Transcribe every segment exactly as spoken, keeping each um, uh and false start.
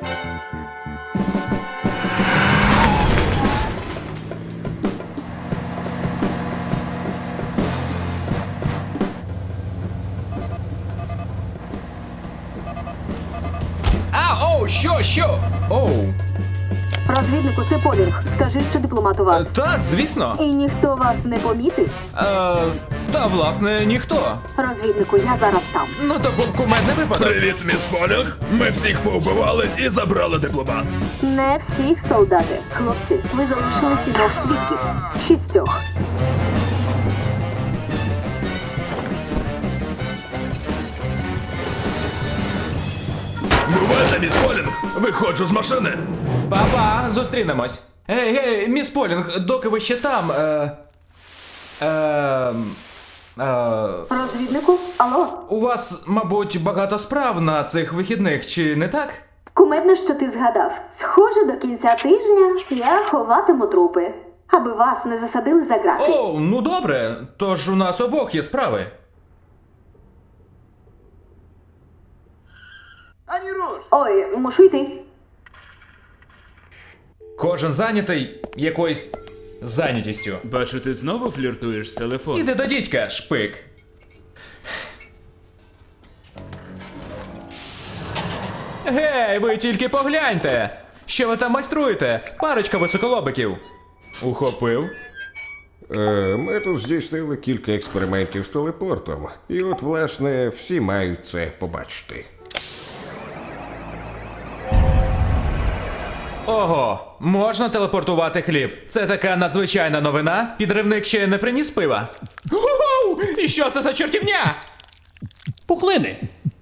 А, оу, що, що? Оу. Розвіднику, це Полінг. Скажи, що дипломат у Е, вас. Так, звісно. І ніхто вас не помітив? Е, та, власне, ніхто. Розвіднику, я зараз там. Ну, то був кумедний випадок. Привіт, міс Полінг! Ми всіх повбивали і забрали дипломат. Не всіх, солдати. Хлопці, ви залишили сімох свідків. Шістьох. Бувайте, міс Полінг! Виходжу з машини! Па-па, зустрінемось. Гей, гей, міс Полінг, доки ви ще там, е... Е... Е... Розвіднику, алло? У вас, мабуть, багато справ на цих вихідних, чи не так? Кумедно, що ти згадав. Схоже, до кінця тижня я ховатиму трупи, аби вас не засадили за грати. О, ну добре, тож у нас обох є справи. Ой, мушу йти. Кожен зайнятий якоюсь зайнятістю. Бачу, ти знову фліртуєш з телефоном. Іди до дідька, шпик. Гей, ви тільки погляньте! Що ви там майструєте? Парочка високолобиків. Ухопив. Е, Ми тут здійснили кілька експериментів з телепортом, і от, власне, всі мають це побачити. Ого, можна телепортувати хліб. Це така надзвичайна новина. Підривник ще не приніс пива. Гу-гу! І що це за чортівня? Пухлини.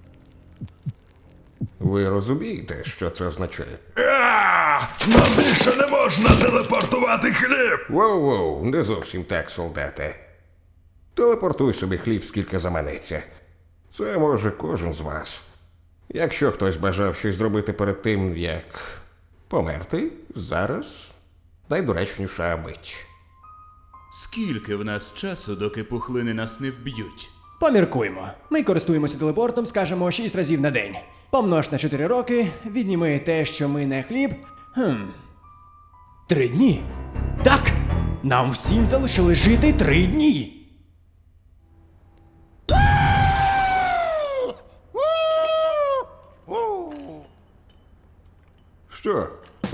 Ви розумієте, що це означає? А, нам більше не можна телепортувати хліб! Воу-воу, не зовсім так, солдате. Телепортуй собі хліб, скільки заманеться. Це може кожен з вас. Якщо хтось бажав щось зробити перед тим, як померти, зараз найдоречніша мить. Скільки в нас часу, доки пухлини нас не вб'ють? Поміркуємо. Ми користуємося телепортом, скажімо, шість разів на день. Помнож на чотири роки, відніми те, що ми не хліб. Хм. Три дні. Так! Нам всім залишили жити три дні. Що?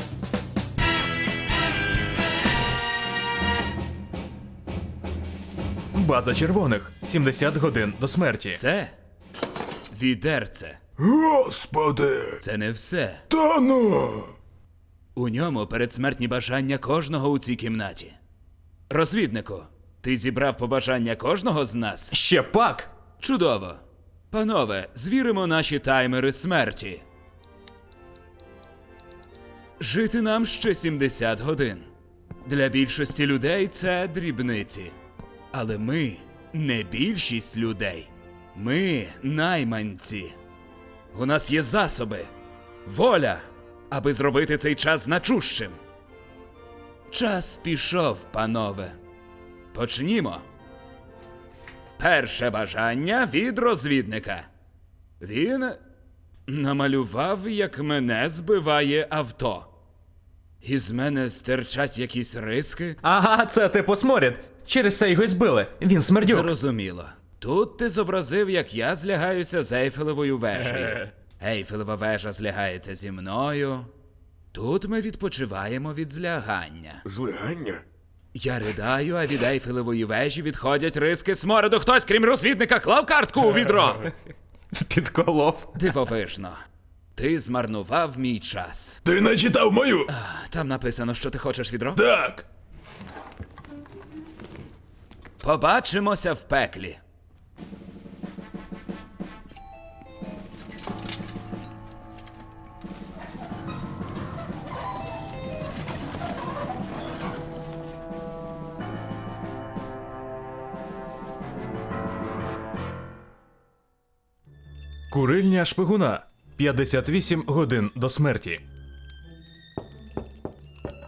База червоних. сімдесят годин до смерті. Це відерце. Господи! Це не все. Та ну! У ньому передсмертні бажання кожного у цій кімнаті. Розвіднику, ти зібрав побажання кожного з нас? Ще пак! Чудово. Панове, звіримо наші таймери смерті. Жити нам ще сімдесят годин. Для більшості людей це дрібниці. Але ми не більшість людей. Ми найманці. У нас є засоби, воля, аби зробити цей час значущим. Час пішов, панове. Почнімо. Перше бажання від розвідника. Він намалював, як мене збиває авто. Із мене стирчать якісь риски. Ага, це типу сморід. Через це його й збили. Він смердюк. Зрозуміло. Тут ти зобразив, як я злягаюся з Ейфелевою вежею. Ейфелева вежа злягається зі мною. Тут ми відпочиваємо від злягання. Злигання? Я ридаю, а від Ейфелевої вежі відходять риски смороду. Хтось, крім розвідника, клав картку у відро. Підколов. Дивовижно. Ти змарнував мій час. Ти не читав мою? Там написано, що ти хочеш відро? Так. Побачимося в пеклі. Курильня шпигуна. п'ятдесят вісім годин до смерті.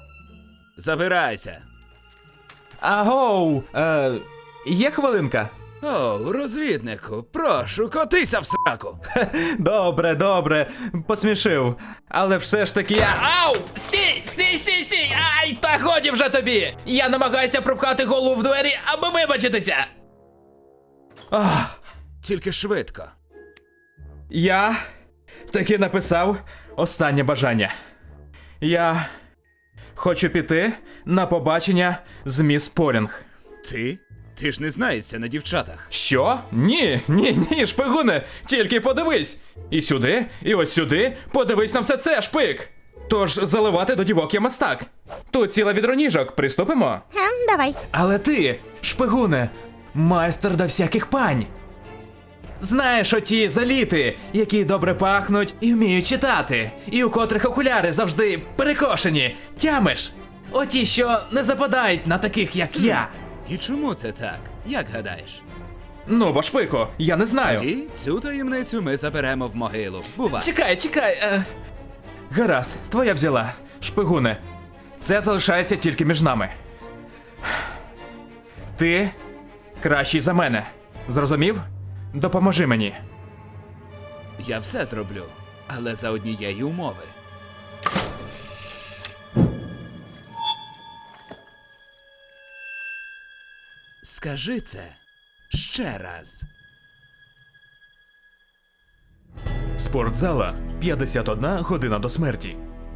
Забирайся. Агоу! Е, є хвилинка? О, розвіднику, прошу, котися в сраку. Добре, добре, посмішив. Але все ж таки я. Ау! Стій! Стій, стій, стій! Ай, та годі вже тобі! Я намагаюся пропхати голову в двері, аби вибачитися! Ах, Тільки швидко. я таки написав останнє бажання. Я хочу піти на побачення з міс Полінг. Ти? Ти ж не знаєшся на дівчатах. Що? Ні, ні, ні, шпигуне, тільки подивись. І сюди, і ось сюди, подивись на все це, шпик. Тож заливати до дівок я мастак. Тут ціла відроніжок, приступимо? Ем, давай. Але ти, шпигуне, майстер до всяких пань. Знаєш оті заліти, які добре пахнуть і вміють читати, і у котрих окуляри завжди перекошені, тямиш? Оті, що не западають на таких, як я. І чому це так? Як гадаєш? Ну, бо шпико, я не знаю. Тоді цю таємницю ми заберемо в могилу. Бувай. Чекай, чекай. Е... Гаразд, твоя взяла. Шпигуне, це залишається тільки між нами. Ти кращий за мене. Зрозумів? Допоможи мені. Я все зроблю, але за однієї умови. Скажи це ще раз. Спортзала. п'ятдесят одна година до смерті.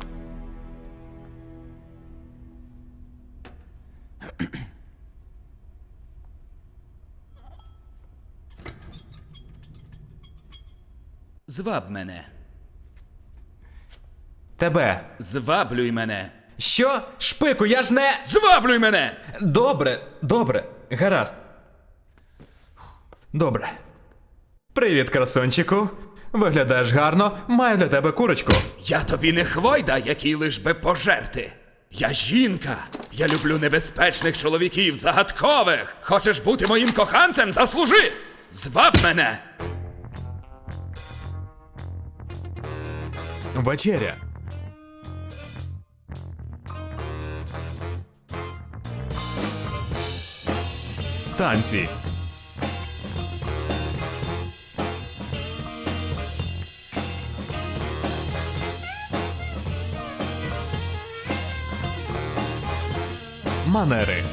Зваб мене. Тебе. Зваблюй мене. Що? Шпику, я ж не. Зваблюй мене! Добре, добре, гаразд. Добре. Привіт, красунчику. Виглядаєш гарно, маю для тебе курочку. Я тобі не хвойда, який лиш би пожерти. Я жінка. Я люблю небезпечних чоловіків, загадкових. Хочеш бути моїм коханцем? Заслужи! Зваб мене! Вечеря. Танці. Манери.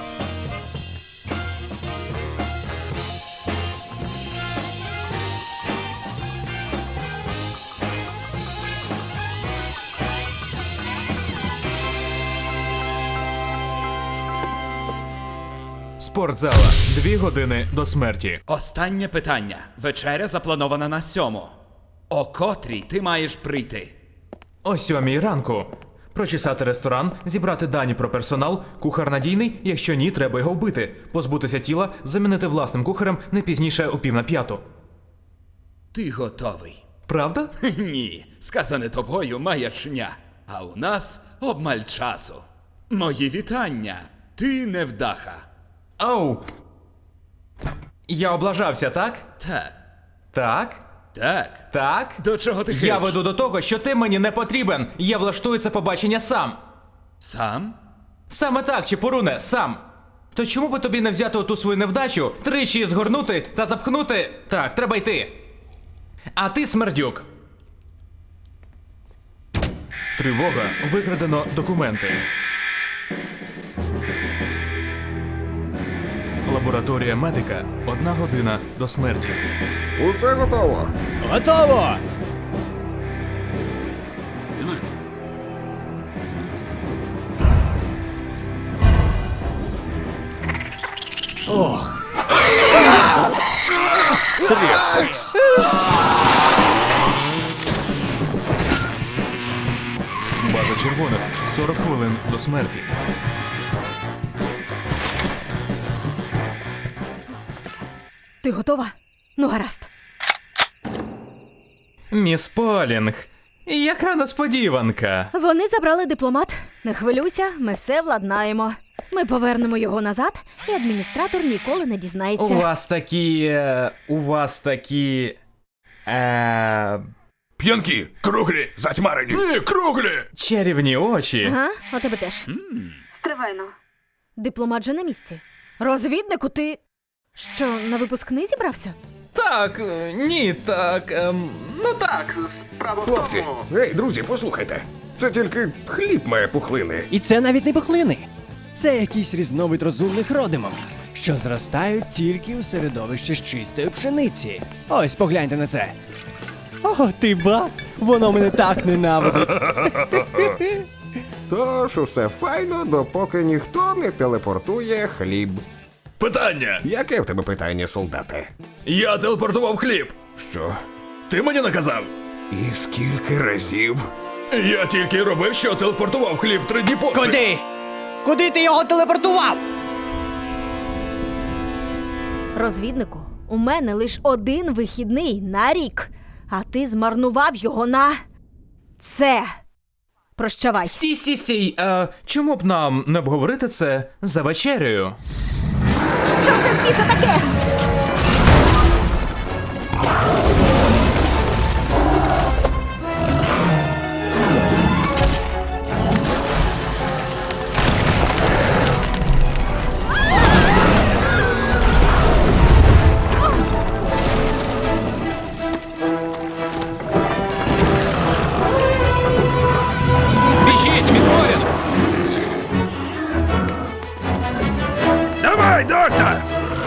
Спортзала. Дві години до смерті. Останнє питання. Вечеря запланована на сьому. О котрій ти маєш прийти? О сьомій ранку. Прочесати ресторан, зібрати дані про персонал, кухар надійний, якщо ні, треба його вбити, позбутися тіла, замінити власним кухарем не пізніше о пів на п'яту. Ти готовий. Правда? Ні, сказане тобою маячня. А у нас обмаль часу. Мої вітання. Ти невдаха. Ау! Я облажався, так? Так, Так? так. Так? До чого ти Я хилиш? веду до того, що ти мені не потрібен. Я влаштую це побачення сам. Сам? Саме так, Чепуруне, сам. То чому би тобі не взяти оту свою невдачу, тричі згорнути та запхнути? Так, треба йти. А ти, смердюк. Тривога. Викрадено документи. Лабораторія медика. Одна година до смерті. Усе готово. Готово! Ох. Трясся. База червоних. сорок хвилин до смерті. Ти готова? Ну, гаразд. Міс Полінг. Яка несподіванка. Вони забрали дипломат. Не хвилюйся, ми все владнаємо. Ми повернемо його назад, і адміністратор ніколи не У дізнається. вас такі. е, У вас такі. Е, П'янки, круглі, затьмарені. Ні, круглі. чарівні очі. Ага, у тебе теж. Стривайно. Дипломат же на місці. Розвіднику ти. Що, на випускний зібрався? Так, е, ні, так. Ем, ну так, справа в Хлопці, тому. ей, друзі, послухайте. Це тільки хліб має пухлини. І це навіть не пухлини. Це якийсь різновид розумних родимом, що зростають тільки у середовищі з чистої пшениці. Ось погляньте на це. О, ти ба! Воно мене так ненавидить. Тож усе файно, допоки ніхто не телепортує хліб. Питання. Яке в тебе питання, солдате? Я телепортував хліб. Що? Ти мені наказав? І скільки разів? Я тільки й робив, що телепортував хліб три дні поспіль. Куди? Куди ти його телепортував? Розвіднику, у мене лише один вихідний на рік, а ти змарнував його на це. Прощавай. Стій, стій, стій. Е, чому б нам не обговорити це за вечерею? Що це в біса таке? Біжіть, Мізморін! Давай, доктор!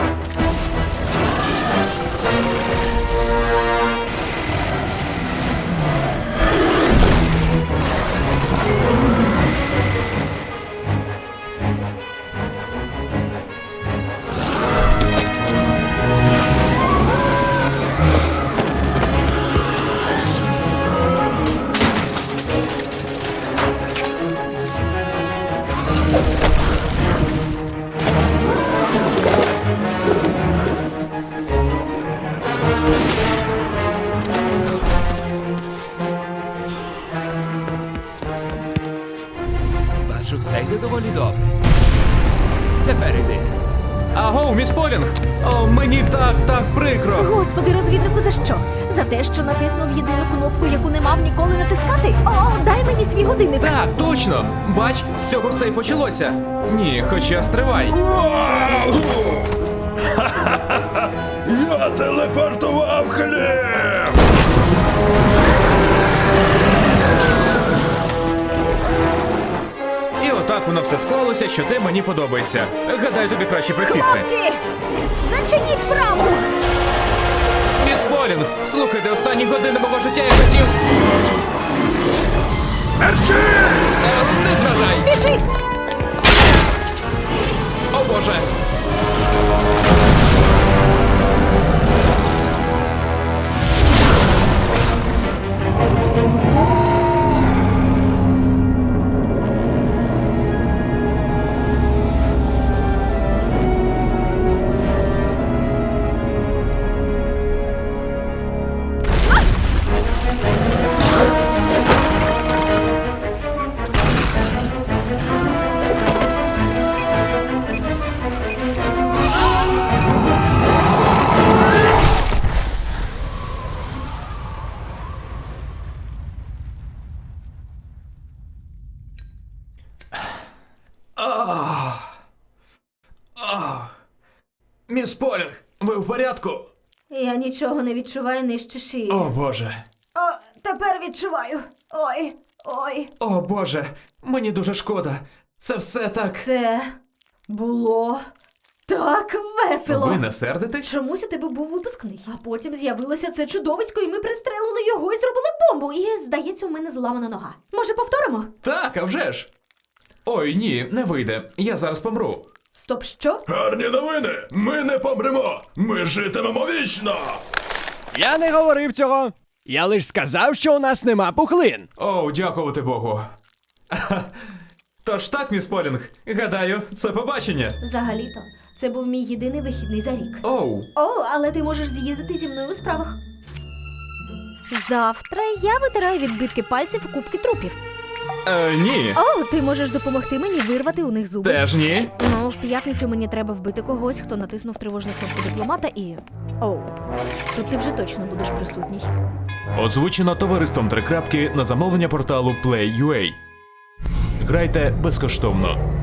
Бачу, все йде доволі добре. Тепер іди. Агоу, міс Полінг! О, мені так, так прикро. Господи, розвіднику, за що? За те, що натиснув єдину кнопку, яку не мав ніколи натискати? О, дай мені свій годинник. Так, точно! Бач, з цього все і почалося. Ні, хоча стривай. Я телепортував хліб! І отак воно все склалося, що ти мені подобаєшся. Гадаю, тобі краще присісти. Хлопці, зачиніть браму! Міс Полінг, слухайте, останні години мого життя я хотів. Мерщі! Е, не зважай! Біжи! О боже! Міс Полінг, ви в порядку? Я нічого не відчуваю нижче шиї. О боже. О, тепер відчуваю. Ой, ой. О боже, мені дуже шкода. Це все так. Це було так весело. Ви не сердитесь? Чомусь у тебе був випускний. А потім з'явилося це чудовисько, і ми пристрелили його і зробили бомбу. І, здається, у мене зламана нога. Може, повторимо? Так, а вже ж. Ой, ні, не вийде. Я зараз помру. Стоп, що? Гарні новини! Ми не помремо! Ми житимемо вічно! Я не говорив цього. Я лиш сказав, що у нас нема пухлин. О, дякувати Богу. Тож так, міс Полінг, гадаю, це побачення. Взагалі-то, це був мій єдиний вихідний за рік. Оу. О, але ти можеш з'їздити зі мною у справах. Завтра я витираю відбитки пальців у кубки трупів. Е, ні. О, ти можеш допомогти мені вирвати у них зуби. Теж ні. Ну, в п'ятницю мені треба вбити когось, хто натиснув тривожну кнопку дипломата і. Оу. Тут ти вже точно будеш присутній. Озвучено товариством Три крапки на замовлення порталу Play.ua. Грайте безкоштовно.